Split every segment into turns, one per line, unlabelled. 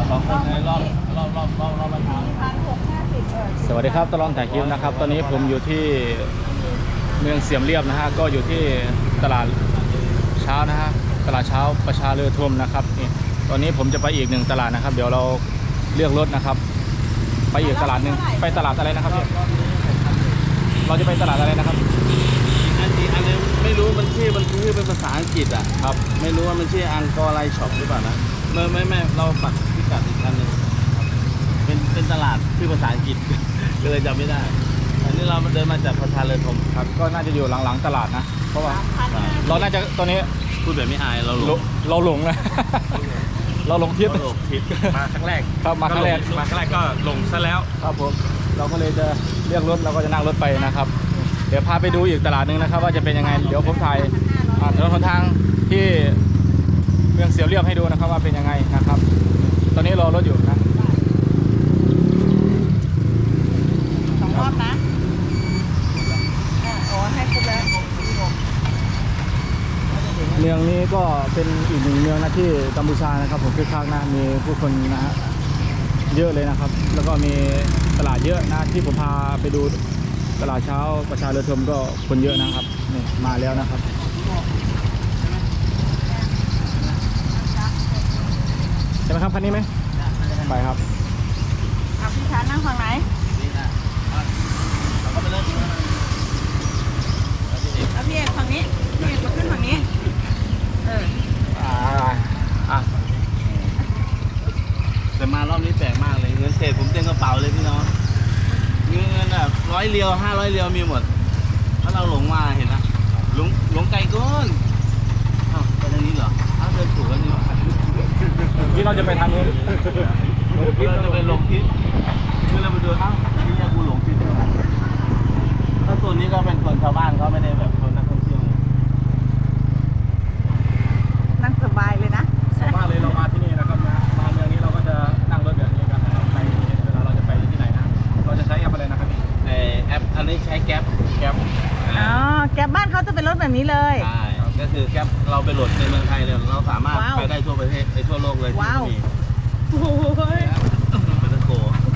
2 คนในรอบละครั้ง
สวัสดีครับตลอดถ่ายคลิปนะครับตอนนี้ผมอยู่ที่เมืองเสียมเรียบนะฮะก็อยู่ที่ตลาดเช้านะฮะตลาดเช้าประชาเรือธมนะครับนี่ตอนนี้ผมจะไปอีก1ตลาดนะครับเดี๋ยวเราเลือกรถนะครับไปอีกตลาดหนึ่งไปตลาดอะไรนะครับพี่เราจะไปตลาดอะไรนะครับ
อันนี้ไม่รู้มันชื่อเป็นภาษาอังกฤษอ่ะครับไม่รู้ว่ามันชื่ออังกอร์ไลช็อปหรือเปล่านะไม่เราปักพิกัดอีกอันหนึ่งเป็นตลาดชื่อภาษาอังกฤษ ก็เลยจำไม่ได้อันนี้เราเดินมาจากประชาเรือธม
ครับก็น่าจะอยู่หลังๆตลาดนะเพราะว่าเราน่าจะตอนนี้
พูดแบบไม่อายเราหลง
เราหลงนะ เราหลงทิศ
มาครั้งแรก
ครับมาครั้งแรก
ก็หลงซะแล้ว
ครับผมเราก็เลยจะเรียกรถเราก็จะนั่งรถไปนะครับเดี๋ยวพาไปดูอีกตลาดหนึ่งนะครับว่าจะเป็นยังไงเดี๋ยวผมถ่ายถนนหนทางที่เมืองเสียมเรียบให้ดูนะครับว่าเป็นยังไงนะครับตอนนี้รอรถอยู่นะ
2 รอบนะโอ้ให้ครบแล้ว
เมืองนี้ก็เป็นอีก1เมืองนะที่กัมพูชานะครับผมคึกคักนะมีผู้คนนะฮะเยอะเลยนะครับแล้วก็มีตลาดเยอะนะที่ผมพาไปดูตลาดเช้าประชาเรือธมก็คนเยอะนะครับนี่มาแล้วนะครับใช่ไหมครับคันนี้ไหมไปครับ
พี่ชานั่งฝั่งไหนแล้วพี่เอกฝั่งนี้พี่เอกมาขึ้นฝั่งนี้
แต่มารอบนี้แปลกมากเลยเงินเศษผมเต็มกระเป๋าเลยพี่น้องมีเงินแบบ100 เรียว500 เรียวมีหมดถ้าเราหลงมาเห็นนะหลงไกลเกินอ้าวไปทางนี้เหรออ้าวเดินถูกแล้วนี่หว่า
ที่เราจะไปทางนู้น
เราจะไปหลงทิศคือเราไปดูอ้าวนี่กูหลงทิศถ้าส่วนนี้ก็เป็นคนชาวบ้านเขาไม่ได้แบบคนนักท่องเที่ยว
นั่งสบายเลยนะ
สบายเลยเรามาที่นี่นะครับมาเมืองนี้เราก็จะนั่งรถแบบนี้กันนะครับในเวลาเราจะไปที่ไหนนะเราจะใช้แอปอะไรนะครับพี่
แอปอันนี้ใช้แก๊ป
อ๋อแก๊ปบ้านเขาจะเป็นรถแบบนี้เลย
ใช่ก็คือแก๊ปเราไปโหลดในเมืองไทยเลยเราสามารถไปได้ทั่วประเทศทั่วโลกเลยที่มี
โอ้โห
เป็นตะโก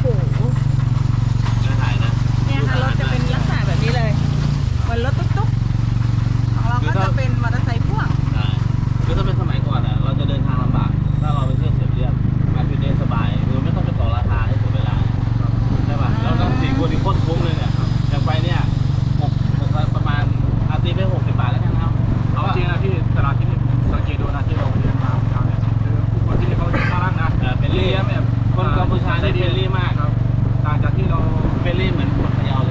น่าถ่ายนะ
เนี่ยค่ะรถจะเป็นลักษณะแบบนี้เลยเหมือนรถตุ๊กๆของเราก็จะเป็นมอเตอร์ไซค์พ่วง
ใช่คือถ้าเป็นสมัยก่อนอ่ะเราจะเดินทางลำบากถ้าเราไปเที่ยวเสียเรียบการไปเดินสบายคือไม่ต้องไปต่อราคาให้เสียเวลาใช่ป่ะเราต้อง4 คนที่โคตรคุ้มเลยเนี่ยอย่างไปเนี่ยประมาณตีไป60 บาทแล้วกันครับ
เอาจริงนะที่ตลาดที่นี่สังเกตดูนะที่เราเดินมาเช้าเนี่ยคือผู้คนที่นี่เขาน่ารักนะ
เป็นรีแบบคนกัมพูชาได้เป็นรีมาก
ครับต่างจากที่เรา
เป็นรีเหมือนคนพะเยาเลย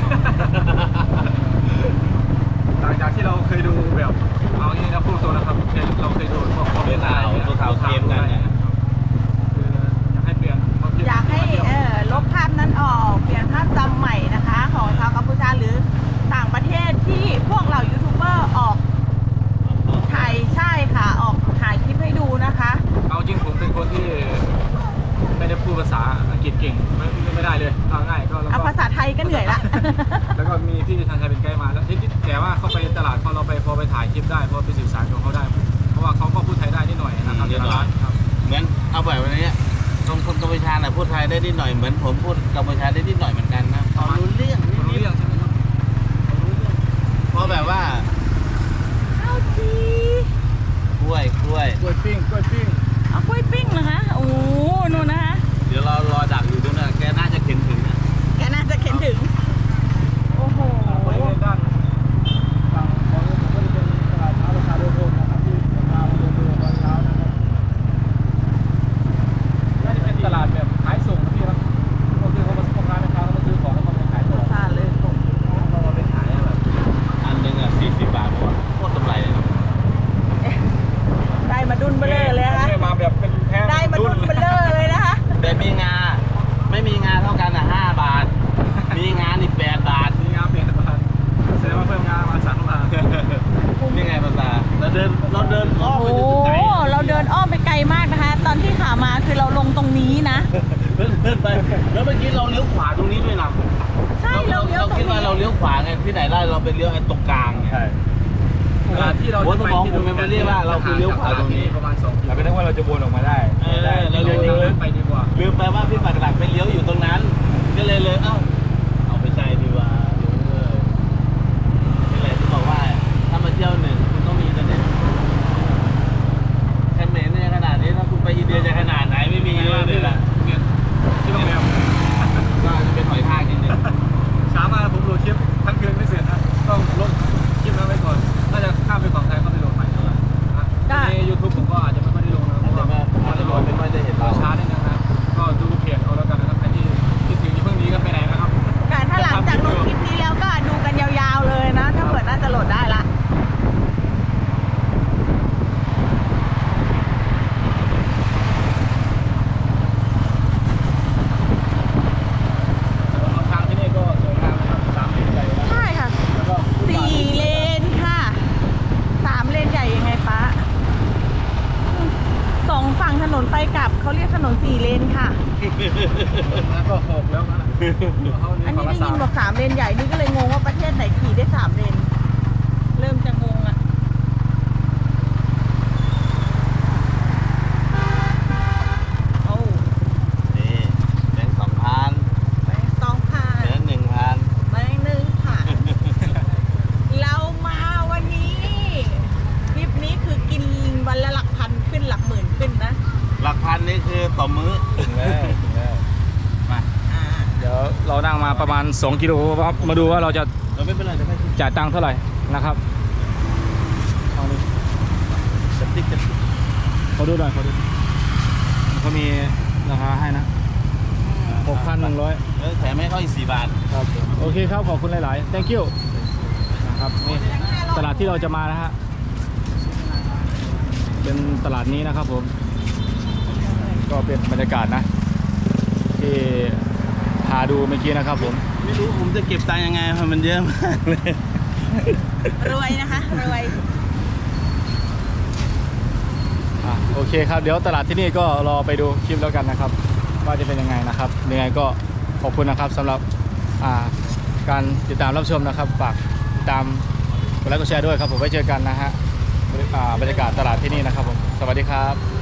ต่างจากที่เราเคยดูแบบเอาอย่างนี้นะพูดตรงนะครับเราเคยดูพวกคอมเมนต์อะไร
ตัวข่าวเกมกันเนี่ย
คืออยากให้เปลี่ยน
อยากให้ลบภาพนั้นออกเปลี่ยนภาพจำใหม่นะคะของชาวกัมพูชาหรือต่างประเทศที่พวกเรายูทูบเบอร์ออกถ่ายใช่ค่ะออกถ่ายคลิปให้ดูนะคะ
เอาจริงผมเป็นคนที่ไม่ได้พูดภาษาอังกฤษเก่งไม่ได้เลยเอาง่ายก็
เอาภาษาไทยก็เหนื่อยละ
แล้วก็มีพี่ทางไทยเป็นไกด์มาแล้วแต่ว่าเขาไปตลาดพอเราไปถ่ายคลิปได้พอไปสื่อสารกับเขาได้เพราะว่าเขาก็พูดไทยได้นิดหน่อยนะครับ
เดี๋ยวร้านเหมือนเอาแบบวันนี้คนกัมพูชาพูดไทยได้นิดหน่อยเหมือนผมพูดกัมพูชาได้นิดหน่อยเหมือนกันนะรู้เรื่อง
ใช่ไหมครับ
เพราะแบบว่า
เอาจี
กล้วย
ปิ้ง
เอากล้วยปิ้งเหรอคะโอ้นู่นนะคะ
เดี๋ยวเรารอดักอยู่ด้วยนะแกน่าจะเข็นถึงนะ
แกน่าจะเข็นถึงโอ้โห
ไปด้านฝั่งของก็จะเป็นตลาดเช้าราคาเรือธมนะครับที่มาเดินดูตอนเช้านะครับน่าจะเป็นตลาดแบบขายส่งนะพี่ครับก็คือเขามาพ่อค้าแม่ค้าเขามาซื้อของแล้วเขามาขายต่อ
ตลาดเลย
เราไปขายแบบอันนึง40 บาทโคตรกำไรเลยนะ
ได้มาดุนเบลอเลยนะคะ
มาแบบเป็นแพ้
ได้มาดุนเบลอเลยนะคะ
แต่มีงาไม่มีงาเท่ากัน5 บาทมีงาอีก8 บาท
มีงา8 บาทแสดงว่าเพิ่มงามา3 บาท
นี่ไงภาษาเราเดินอ้อมไปไกล
เราเดินอ้อมไปไกลมากนะคะตอนที่ขามาคือเราลงตรงนี้นะ
เดินไปแล้วเมื่อกี้เราเลี้ยวขวาตรงนี้ด้วยนะ
ใช่เรา
คิดว่าเราเลี้ยวขวาไงที่ไหนได้เราไปเลี้ยวไอ้ตรงกลาง
ใช่ที่เรา
จะไปที่ดูไม่เรียกว่าเราคือเลี้ยวขวาตรงนี้
ประมาณ2 กิโลเราไม่ได้ว่าเราจะวนออกมาได้
เราเลี้ยวไป
นน4 เลนค่ะ
แล้วก็6แล้วนะ
อันนี้ได้ยินบอก3 เลนใหญ่นี่ก็เลยงงว่าประเทศไหนขี่ได้3 เลน เริ่มจะงงอ่ะโอ้
นี่แบงค์2,000
แบงค์2,000
แบงค์1,000
แบงค์1,000 เรามาวันนี้ทริปนี้คือกินวันละหลักพันขึ้นหลักหมื่นขึ้นนะ
หลักพันนี่คือต่อมื้อ
ถึงแล้วมา
อ่า
เดี๋ยวเรานั่งมาประมาณ2 กิโลครับมาดูว่าเราจะ
เราไม่เป็นไรเดี๋ยวให้
จ่ายตังค์เท่าไหร่นะครับเอาดิ
จะติ๊กจะติ๊ก
เขาดูหน่อยเขาดูเขามีราคาให้นะ6,100
แถมให้เขาอีก4 บาท
ครับโอเคครับขอบคุณหลาย ๆ thank you นะครับนี่ตลาดที่เราจะมานะฮะเป็นตลาดนี้นะครับผมก็เป็นบรรยากาศนะที่พาดูเมื่อกี้นะครับผม
ไม่รู้ผมจะเก็บตังค์ยังไงเพราะมันเยอะมากเลย
รวยนะคะ รวย
โอเคครับเดี๋ยวตลาดที่นี่ก็รอไปดูคลิปแล้วกันนะครับว่าจะเป็นยังไงนะครับยังไงก็ขอบคุณนะครับสำหรับการติดตามรับชมนะครับฝากติดตามกดไลค์กดแชร์ด้วยครับผมไว้เจอกันนะฮะบรรยากาศตลาดที่นี่นะครับผมสวัสดีครับ